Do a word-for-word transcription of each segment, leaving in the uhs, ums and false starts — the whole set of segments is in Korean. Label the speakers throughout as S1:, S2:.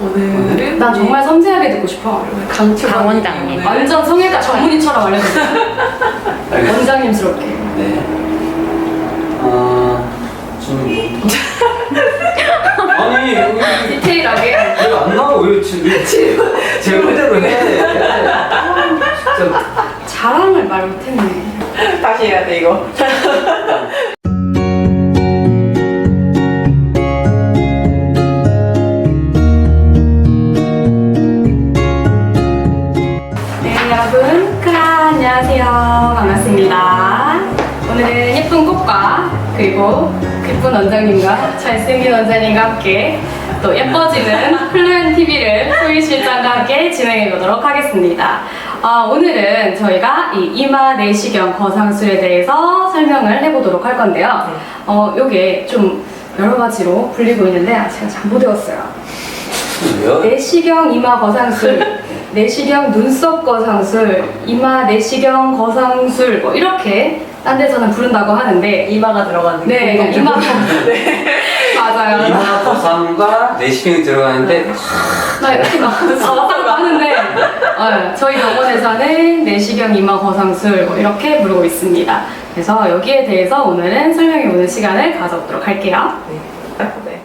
S1: 오늘은
S2: 난 정말 섬세하게 듣고 싶어.
S1: 강추
S3: 강 원장님.
S2: 완전 성애자 전문의처럼 알려주세요.
S4: 알겠습니다.
S2: 원장님스럽게.
S4: 네. 어, 좀 뭐. 아니, 여기
S2: 디테일하게.
S4: 왜 안 나와? 왜 지금 제 꼴대로 해? 아, 진짜.
S2: 자랑을 말 못했네.
S1: 다시 해야 돼 이거.
S2: 네, 여러분. 크라, 안녕하세요. 반갑습니다. 오늘은 예쁜 꽃과 그리고 예쁜 원장님과 잘생긴 원장님과 함께 또 예뻐지는 플루엔 티비를 소희 실장과 함께 진행해 보도록 하겠습니다. 어, 오늘은 저희가 이 이마 내시경 거상술에 대해서 설명을 해보도록 할 건데요. 어, 요게 좀 여러 가지로 불리고 있는데 아, 제가 잘못 외웠어요.
S4: 왜요?
S2: 내시경 이마 거상술, 내시경 눈썹 거상술, 이마 내시경 거상술 뭐 이렇게 딴 데서는 부른다고 하는데
S1: 이마가 들어가는
S2: 네,
S1: 게
S2: 이마 맞아요.
S4: 이마 거상과 내시경이 들어가는데
S2: 나 이렇게 막 왔다고 하는데 어, 저희 병원에서는 내시경 이마 거상술 뭐 이렇게 부르고 있습니다. 그래서 여기에 대해서 오늘은 설명해보는 시간을 가져보도록 할게요.
S1: 네. 네.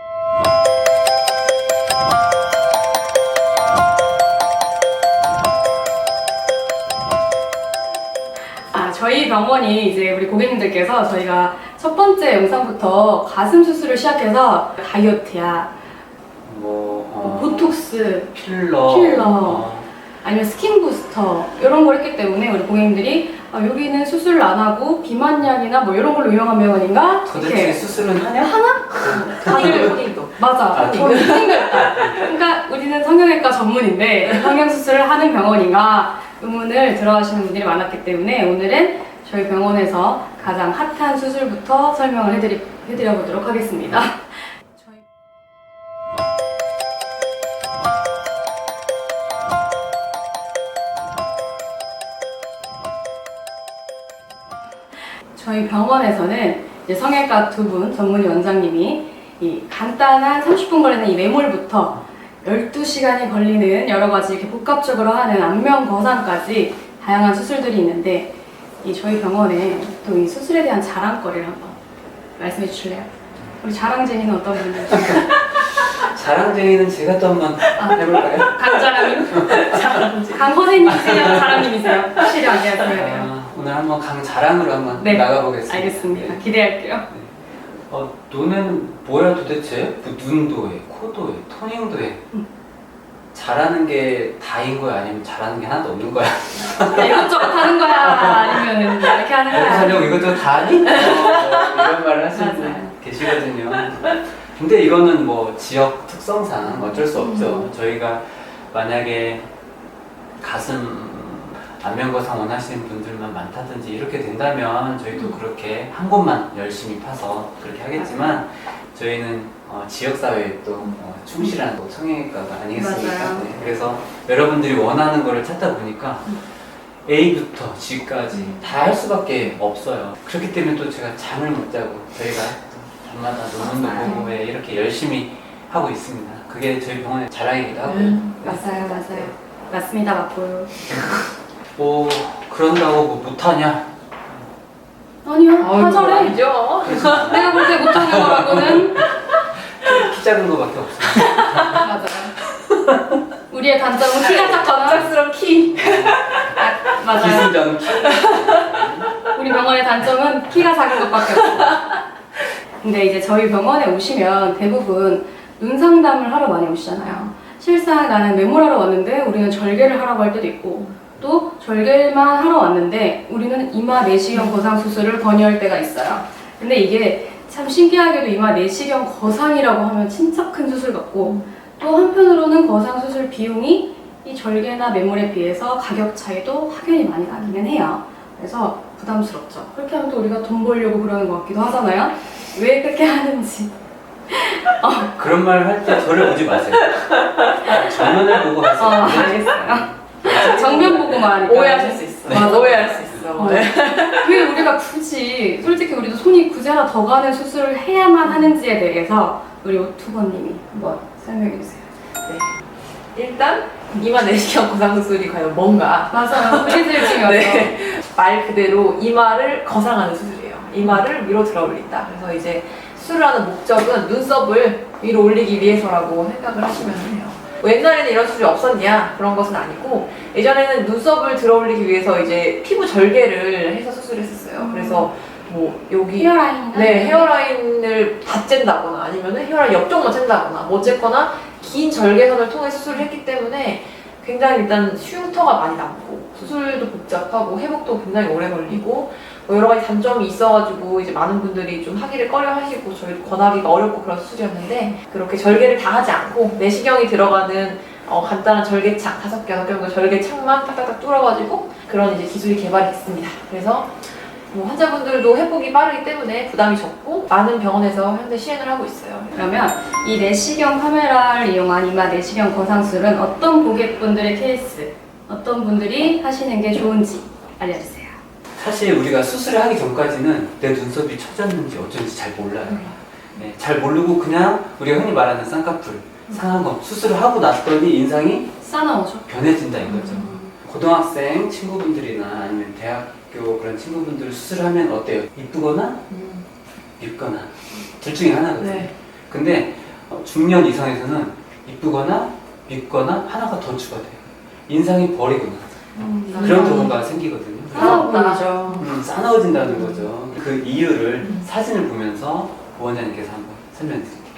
S2: 아, 저희 병원이 이제 우리 고객님들께서 저희가 첫 번째 영상부터 가슴 수술을 시작해서 다이어트야,
S4: 뭐
S2: 뭐
S4: 어,
S2: 보톡스,
S4: 필러,
S2: 필러.
S4: 어,
S2: 아니면 스킨 부스터 이런 걸 했기 때문에 우리 고객님들이 아, 여기는 수술을 안 하고 비만약이나 뭐 이런 걸로 유명한 병원인가?
S4: 도대체 수술은 하냐?
S2: 다들
S1: 토닝도.
S2: 맞아.
S4: 아,
S2: 저는 생각했다. 그러니까 우리는 성형외과 전문인데 성형수술을 하는 병원인가 의문을 들어하시는 분들이 많았기 때문에 오늘은 저희 병원에서 가장 핫한 수술부터 설명을 해드리, 해드려 보도록 하겠습니다. 저희 저희 병원에서는 이제 성형외과 두 분 전문의 원장님이 이 간단한 삼십 분 걸리는 이 매몰부터 열두 시간이 걸리는 여러 가지 이렇게 복합적으로 하는 안면 거상까지 다양한 수술들이 있는데 이 저희 병원에 또 이 수술에 대한 자랑거리를 한번 말씀해 주실래요? 우리 자랑쟁이는 어떤 분이실까요?
S4: 자랑쟁이는 제가 또 한번 해볼까요?
S2: 강자랑님? 강 선생님이세요? 자랑님이세요? 확실히 안녕하세요.
S4: 아, 오늘 한번 강 자랑으로 한번
S2: 네,
S4: 나가보겠습니다.
S2: 알겠습니다.
S4: 네.
S2: 기대할게요.
S4: 어, 너는 뭐야 도대체? 뭐 눈도 해, 코도 해, 토닝도 해.
S2: 음.
S4: 잘하는 게 다인 거야? 아니면 잘하는 게 하나도 없는 거야?
S2: 이것저것 하는 거야? 아니면 이렇게 하는
S4: 먹고
S2: 거야?
S4: 살려고 이것저것 다 하니? 어, 뭐 이런 말을 하시는 분
S2: 맞아요.
S4: 계시거든요. 근데 이거는 뭐 지역 특성상 어쩔 수 없죠.
S2: 음.
S4: 저희가 만약에 가슴 안면거상 원하시는 분들만 많다든지 이렇게 된다면 저희도 그렇게 한 곳만 열심히 파서 그렇게 하겠지만 저희는 어, 지역사회에 또 어, 충실한 또 성형외과가 아니겠습니까?
S2: 맞아요.
S4: 네, 그래서 여러분들이 원하는 거를 찾다 보니까 A부터 G까지 다 할 수밖에 없어요. 그렇기 때문에 또 제가 잠을 못 자고 저희가 또 밤마다 논문도
S2: 맞아요.
S4: 보고 왜 이렇게 열심히 하고 있습니다. 그게 저희 병원의 자랑이기도 하고요.
S1: 음,
S2: 맞아요, 맞아요. 맞습니다, 맞고요.
S4: 뭐 그런다고 뭐 못하냐?
S2: 아니요, 하절해.
S1: 아니죠.
S2: 내가 볼 때 못하는 거라고는
S4: 키 작은 거밖에 없어요.
S2: 맞아요. 우리의 단점은 키가 작거나
S1: 갑작스러운 키.
S2: 아, 맞아요.
S4: 기승전 키.
S2: 우리 병원의 단점은 키가 작은 것밖에 없어요. 근데 이제 저희 병원에 오시면 대부분 눈 상담을 하러 많이 오시잖아요. 실상 나는 메모하러 왔는데 우리는 절개를 하라고 할 때도 있고 또 절개만 하러 왔는데 우리는 이마 내시경 거상 수술을 권유할 때가 있어요. 근데 이게 참 신기하게도 이마 내시경 거상이라고 하면 진짜 큰 수술 같고 또 한편으로는 거상 수술 비용이 이 절개나 매몰에 비해서 가격 차이도 확연히 많이 나기는 해요. 그래서 부담스럽죠. 그렇게 하면 또 우리가 돈 벌려고 그러는 것 같기도 하잖아요. 왜 그렇게 하는지. 어,
S4: 그런 말 할 때 저를 오지 마세요. 정면을 보고
S2: 어,
S4: 하세요.
S2: 알겠어요. 정면 보고만 하니까.
S1: 오해하실 수 있어.
S2: 맞아.
S1: 오해할 수 있어.
S2: 어. 왜 우리가 굳이, 솔직히 우리도 손이 굳이 하나 더 가는 수술을 해야만 하는지에 대해서 우리 오투버님이 한번 설명해 주세요.
S1: 일단 이마 내시경 거상수술이 과연 뭔가.
S2: 맞아요. 브리즈를 치면서.
S1: 네. 말 그대로 이마를 거상하는 수술이에요. 이마를 위로 들어 올린다. 그래서 이제 수술을 하는 목적은 눈썹을 위로 올리기 위해서라고 생각을 하시면 돼요. 뭐 옛날에는 이런 수술이 없었냐? 그런 것은 아니고 예전에는 눈썹을 들어 올리기 위해서 이제 피부 절개를 해서 수술했었어요.
S2: 음.
S1: 그래서 뭐 여기
S2: 헤어라인.
S1: 네, 헤어라인을 다 쨘다거나 아니면은 헤어라인 옆쪽만 쨘다거나 뭐 어쨌거나 긴 절개선을 통해 수술을 했기 때문에 굉장히 일단 흉터가 많이 남고 수술도 복잡하고 회복도 굉장히 오래 걸리고 뭐 여러 가지 단점이 있어가지고 이제 많은 분들이 좀 하기를 꺼려 하시고 저희도 권하기가 어렵고 그런 수술이었는데 그렇게 절개를 다 하지 않고 내시경이 들어가는 어, 간단한 절개창 다섯 개, 여섯 개 정도 절개창만 딱딱딱 뚫어가지고 그런 이제 기술이 개발이 됐습니다. 그래서 뭐 환자분들도 회복이 빠르기 때문에 부담이 적고 많은 병원에서 현재 시행을 하고 있어요.
S2: 그러면 이 내시경 카메라를 이용한 이마 내시경 거상술은 어떤 고객분들의 케이스, 어떤 분들이 하시는 게 좋은지 알려주세요.
S4: 사실 우리가 수술을 하기 전까지는 내 눈썹이 처졌는지 어쩐지 잘 몰라요. 네, 잘 모르고 그냥 우리가 흔히 말하는 쌍꺼풀, 상안검 수술을 하고 났더니 인상이
S2: 싸나오죠?
S4: 변해진다 이거죠.
S2: 음.
S4: 고등학생 친구분들이나 아니면 대학교 그런 친구분들 수술하면 어때요? 이쁘거나
S1: 음.
S4: 밉거나 둘 중에 하나거든요.
S1: 네.
S4: 근데 어, 중년 이상에서는 이쁘거나 밉거나 하나가 더 추가돼요. 인상이 버리거나
S2: 음,
S4: 그런 경우가 생기거든요.
S2: 싸나워 보이죠.
S4: 음, 싸나워진다는 거죠. 그 이유를
S1: 음.
S4: 사진을 보면서 원장님께서 한번 설명해 드릴게요.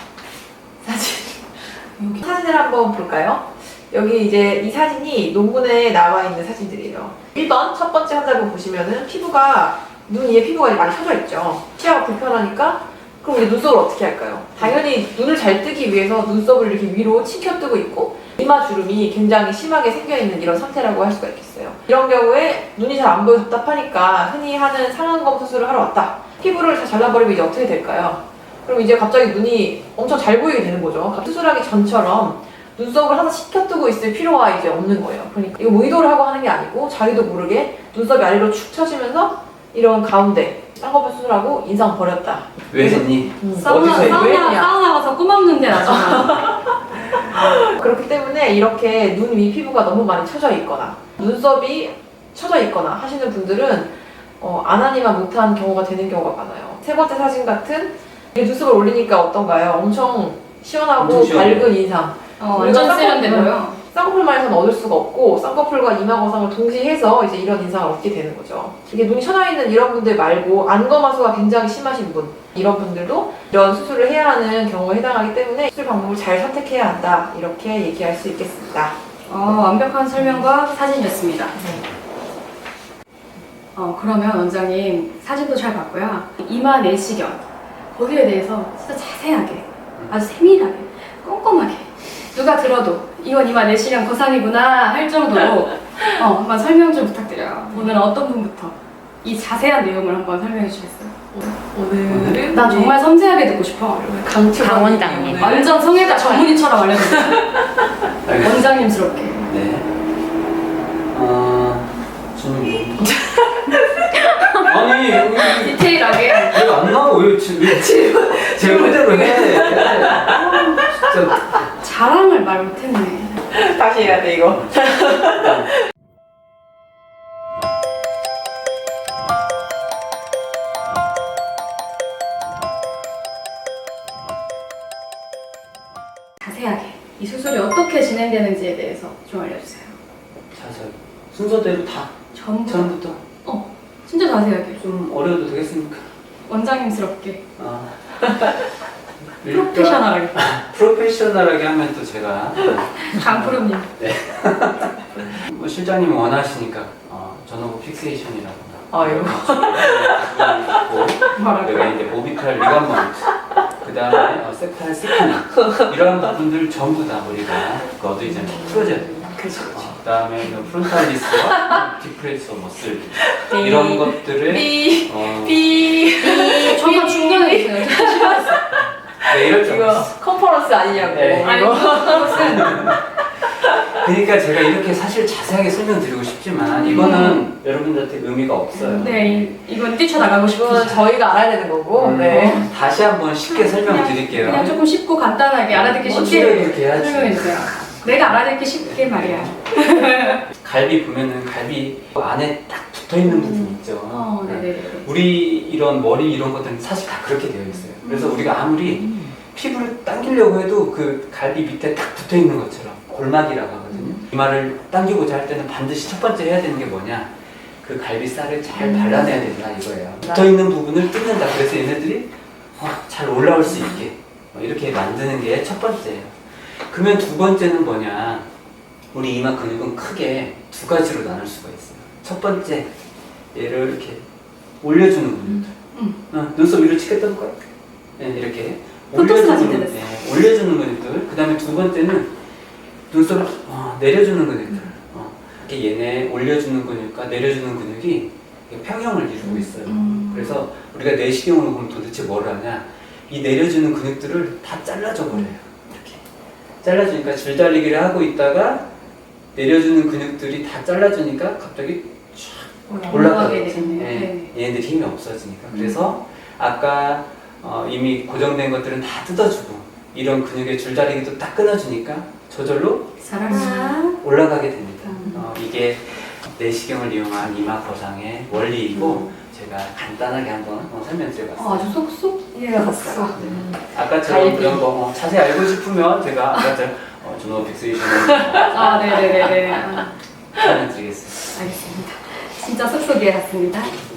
S1: 사진. 여기 사진을 한번 볼까요? 여기 이제 이 사진이 논문에 나와 있는 사진들이에요. 일 번 첫 번째 환자분 보시면은 피부가 눈 위에 피부가 이제 많이 펴져 있죠. 시야가 불편하니까 그럼 이제 눈썹을 어떻게 할까요? 당연히 눈을 잘 뜨기 위해서 눈썹을 이렇게 위로 치켜뜨고 있고 이마 주름이 굉장히 심하게 생겨있는 이런 상태라고 할 수가 있겠어요. 이런 경우에 눈이 잘 안 보여 답답하니까 흔히 하는 상안검 수술을 하러 왔다. 피부를 다 잘라버리면 이제 어떻게 될까요? 그럼 이제 갑자기 눈이 엄청 잘 보이게 되는 거죠. 수술하기 전처럼 눈썹을 하나 치켜뜨고 있을 필요가 이제 없는 거예요. 그러니까 이거 뭐 의도를 하고 하는 게 아니고 자기도 모르게 눈썹이 아래로 축 처지면서 이런 가운데 쌍꺼풀 수술하고 인상 버렸다.
S4: 왜 했니?
S1: 음.
S2: 사우나,
S4: 어디서
S2: 사우나,
S1: 했냐?
S2: 사우나 가서 꿈 없는데 나중에.
S1: 그렇기 때문에 이렇게 눈 위 피부가 너무 많이 처져 있거나 눈썹이 처져 있거나 하시는 분들은 어, 안 하니만 못한 경우가 되는 경우가 많아요. 세 번째 사진 같은 이게 눈썹을 올리니까 어떤가요? 엄청 시원하고
S4: 엄청 시원해요.
S1: 밝은 인상.
S2: 어, 완전
S1: 쌍꺼풀-
S2: 세련되고요.
S1: 쌍꺼풀만에서는 얻을 수가 없고 쌍꺼풀과 이마 거상을 동시에 해서 이제 이런 인상을 얻게 되는 거죠. 이게 눈이 처져 있는 이런 분들 말고 안검하수가 굉장히 심하신 분 이런 분들도 이런 수술을 해야 하는 경우에 해당하기 때문에 수술 방법을 잘 선택해야 한다 이렇게 얘기할 수 있겠습니다.
S2: 어, 완벽한 설명과 사진이었습니다.
S1: 네.
S2: 어, 그러면 원장님 사진도 잘 봤고요. 이마 내시경 거기에 대해서 진짜 자세하게 아주 세밀하게 꼼꼼하게 누가 들어도 이건 이마 내시경 거상이구나 할 정도로 어, 한번 설명 좀 부탁드려요. 오늘은 어떤 분부터 이 자세한 내용을 한번 설명해 주시겠어요?
S1: 오늘은
S2: 난 정말 섬세하게 듣고 싶어.
S1: 강추
S3: 강 원장님.
S2: 완전 성애자 전문의처럼 알려주세요.
S4: 알겠습니다.
S2: 원장님스럽게.
S4: 네. 어, 저는 뭐... 아니 여기
S2: 디테일하게.
S4: 내가 안 나와 왜 지금 제 홀대로 해? 아, 진짜.
S2: 자랑을 말 못했네.
S1: 다시 해야 돼 이거.
S2: 자세하게 이 수술이 어떻게 진행되는지에 대해서 좀 알려주세요.
S4: 자세히 순서대로 다
S2: 전부 다.
S4: 처음부터
S2: 어, 진짜 자세하게.
S4: 좀 어려워도 되겠습니까?
S2: 원장님스럽게.
S4: 아.
S2: 프로페셔널하게.
S4: 프로페셔널하게 하면 또 제가
S2: 강프로님.
S4: 뭐 실장님이 원하시니까 어, 전후부 픽세이션이라거나
S1: 아유.
S2: 뭐라고요?
S4: 내가 이제 모비탈 리가먼트 그 다음에 어, 세탈 스키닝 이런 부분들 전부 다 우리가 너도 이제 풀어줘야 돼요.
S1: 그렇죠.
S4: 어, 그 다음에 프론탈리스와 디프레서 머슬 이런 것들을
S1: 삐.
S4: 어,
S1: 삐.
S2: 정말 중간에 있어요. 진짜 싫어했어.
S4: 네, 이럴 줄
S1: 이거
S4: 알았어.
S1: 컨퍼런스 아니냐고.
S4: 네.
S2: 아니,
S1: 이거.
S2: 그것은
S4: 그러니까 제가 이렇게 사실 자세하게 설명드리고 싶지만 이거는 여러분들한테 의미가 없어요.
S2: 네, 이- 이건 뛰쳐나가고
S1: 이거는
S2: 싶어요.
S1: 저희가 알아야 되는 거고.
S4: 음,
S1: 네.
S4: 다시 한번 쉽게 설명드릴게요.
S2: 그냥 조금 쉽고 간단하게 알아듣기
S4: 뭐
S2: 쉽게
S4: 줄여도 이렇게 해야지.
S2: 설명해주세요. 내가 알아듣기 쉽게 말이야.
S4: 갈비 보면은 갈비 안에 딱 붙어 있는 부분 있죠.
S2: 어, 네네네.
S4: 우리 이런 머리 이런 것들은 사실 다 그렇게 되어 있어요. 그래서 우리가 아무리 피부를 당기려고 해도 그 갈비 밑에 딱 붙어 있는 것처럼 골막이라고 하거든요. 이마를 당기고자 할 때는 반드시 첫 번째 해야 되는 게 뭐냐? 그 갈비살을 잘 발라내야 된다 이거예요. 붙어 있는 부분을 뜯는다. 그래서 얘네들이 어, 잘 올라올 수 있게 어, 이렇게 만드는 게 첫 번째예요. 그러면 두 번째는 뭐냐? 우리 이마 근육은 크게 두 가지로 나눌 수가 있어요. 첫 번째, 얘를 이렇게 올려주는 근육들.
S2: 음.
S4: 어, 눈썹 위로 치게 떠볼까요? 네, 이렇게
S2: 포토스 사진
S4: 올려주는,
S2: 찍었어요.
S4: 네, 올려주는 근육들. 그 다음에 두 번째는 눈썹을 어, 내려주는 근육들. 어, 이렇게 얘네 올려주는 근육과 내려주는 근육이 평형을 이루고 있어요.
S2: 음.
S4: 그래서 우리가 내시경으로 보면 도대체 뭘 하냐? 이 내려주는 근육들을 다 잘라줘 버려요. 이렇게 잘라주니까 줄달리기를 하고 있다가 내려주는 근육들이 다 잘라주니까 갑자기 쫙
S2: 올라가게
S4: 올라가게
S2: 되겠네요.
S4: 네, 얘네들 힘이 없어지니까. 그래서 아까 어, 이미 고정된 것들은 다 뜯어주고 이런 근육의 줄다리기도 딱 끊어주니까 저절로
S2: 사랑.
S4: 올라가게 됩니다.
S2: 음.
S4: 어, 이게 내시경을 이용한 이마 거상의 원리이고 제가 간단하게 한번 어, 설명드려봤어요.
S2: 어, 아주 쏙쏙 이해갔어요.
S4: 아까처럼
S1: 갈비.
S4: 그런 거 어, 자세히 알고 싶으면 제가 아까처럼 어, 준호 빅스위션을
S2: 아, 네네네네. 아,
S4: 설명드리겠습니다.
S2: 알겠습니다. 진짜 쏙쏙 이해갔습니다.